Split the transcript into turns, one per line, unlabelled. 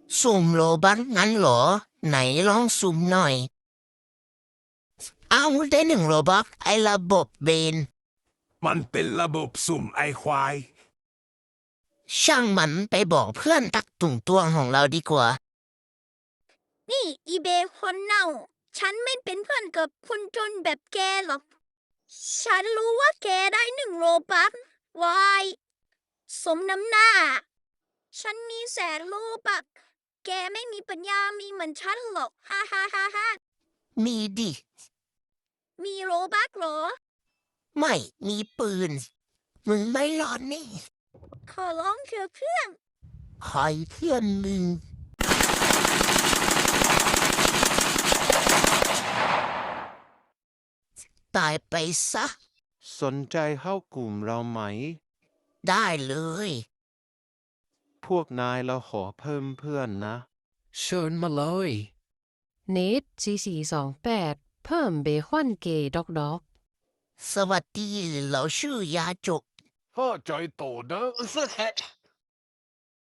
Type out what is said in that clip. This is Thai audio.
สุ่มโลบัคงั้นเหรอไหนลองสุ่มหน่อยเอาได้1 โลบัคไอ้ระบบเบน
มันเป็นระบบสุ่มไอควาย
ช่างมันไปบอกเพื่อนตักตุ่งตวงของเราดีกว่า
นี่อีเบคนเน่า ฉันไม่เป็นเพื่อนกับคนจนแบบแกหรอก ฉันรู้ว่าแกได้1 โลบัควายสมน้ำหน้า ฉันมี100,000 โลบัคแกไม่มีปัญญามีเหมือนฉันหรอกฮ่าฮ่าฮ่าฮ่า
มีดิ
มีโลบัคเหรอ
ไม่มีปืน มึงไม่รอดนี่
ขอร้องเถอะเพื่อน
คอยเพื่อนมึงตายไปซะ
สนใจเข้ากลุ่มเราไหม
ได้เลย
พวกนายเราขอเพิ่มเพื่อนนะ
เชิญมาเลย
เนท4428 เพิ่มเบคอนเกย์ด็อก
สวัสดีเราชื่อยาจก
พ่อจอยโตเด้อ